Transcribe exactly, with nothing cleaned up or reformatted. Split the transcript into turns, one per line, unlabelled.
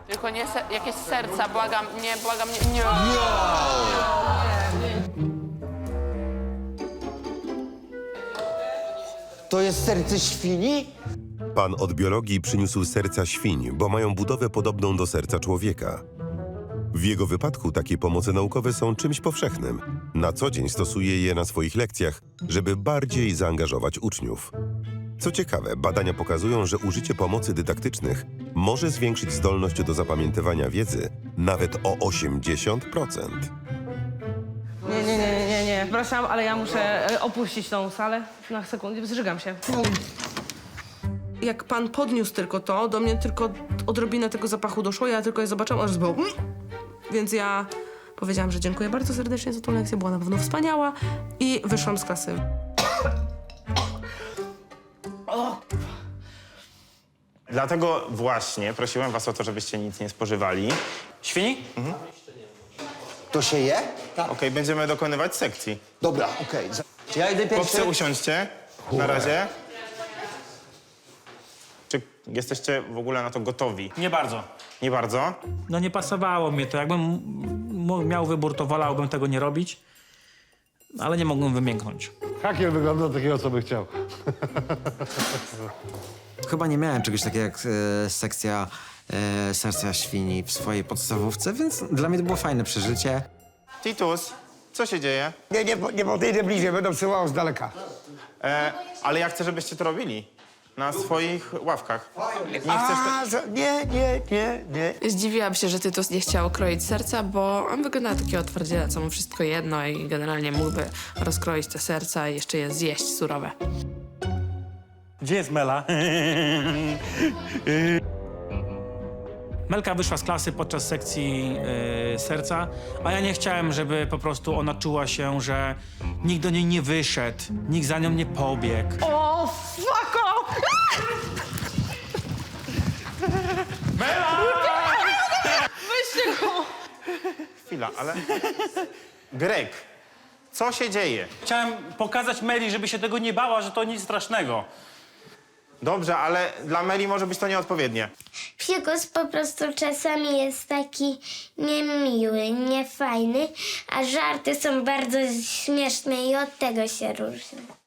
Tylko nie se jakieś serca, błagam, nie, błagam, nie. nie.
To jest serce świni?
Pan od biologii przyniósł serca świń, bo mają budowę podobną do serca człowieka. W jego wypadku takie pomoce naukowe są czymś powszechnym. Na co dzień stosuje je na swoich lekcjach, żeby bardziej zaangażować uczniów. Co ciekawe, badania pokazują, że użycie pomocy dydaktycznych może zwiększyć zdolność do zapamiętywania wiedzy nawet o osiemdziesiąt procent.
Nie, nie, nie, nie, nie, nie. Przepraszam, ale ja muszę e, opuścić tą salę na sekundę. Zżygam się. Jak pan podniósł tylko to, do mnie tylko odrobinę tego zapachu doszło, ja tylko je zobaczyłam, aż zbył. Więc ja powiedziałam, że dziękuję bardzo serdecznie za tą lekcję, była na pewno wspaniała i wyszłam z klasy.
Dlatego właśnie prosiłem was o to, żebyście nic nie spożywali.
Świni?
To się je?
Okej, będziemy dokonywać sekcji.
Dobra, okej. Za-
Ja idę
Chłopcy,
pierwszy.
usiądźcie. Na razie. Czy jesteście w ogóle na to gotowi?
Nie bardzo.
Nie bardzo?
No nie pasowało mi to. Jakbym m- miał wybór, to wolałbym tego nie robić, ale nie mogłem wymięknąć.
Hakier wygląda takiego, co by chciał.
Chyba nie miałem czegoś takiego jak e, sekcja e, serca świni w swojej podstawówce, więc dla mnie to było fajne przeżycie.
Titus, co się dzieje?
Nie, nie, nie podejdę bliżej, będę przyłał z daleka.
E, ale ja chcę, żebyście to robili. Na swoich ławkach. Nie chcesz
A, za- nie, nie, nie, nie.
Zdziwiłam się, że Tytus nie chciał kroić serca, bo on wygląda na takiego twardziela, co mu wszystko jedno i generalnie mógłby rozkroić te serca i jeszcze je zjeść surowe.
Gdzie jest Mela?
Melka wyszła z klasy podczas sekcji e, serca, a ja nie chciałem, żeby po prostu ona czuła się, że nikt do niej nie wyszedł, nikt za nią nie pobiegł.
O, fuck off!
Chwila, ale... Greg, co się dzieje?
Chciałem pokazać Meli, żeby się tego nie bała, że to nic strasznego.
Dobrze, ale dla Meli może być to nieodpowiednie.
Psikus po prostu czasami jest taki niemiły, niefajny, a żarty są bardzo śmieszne i od tego się różnią.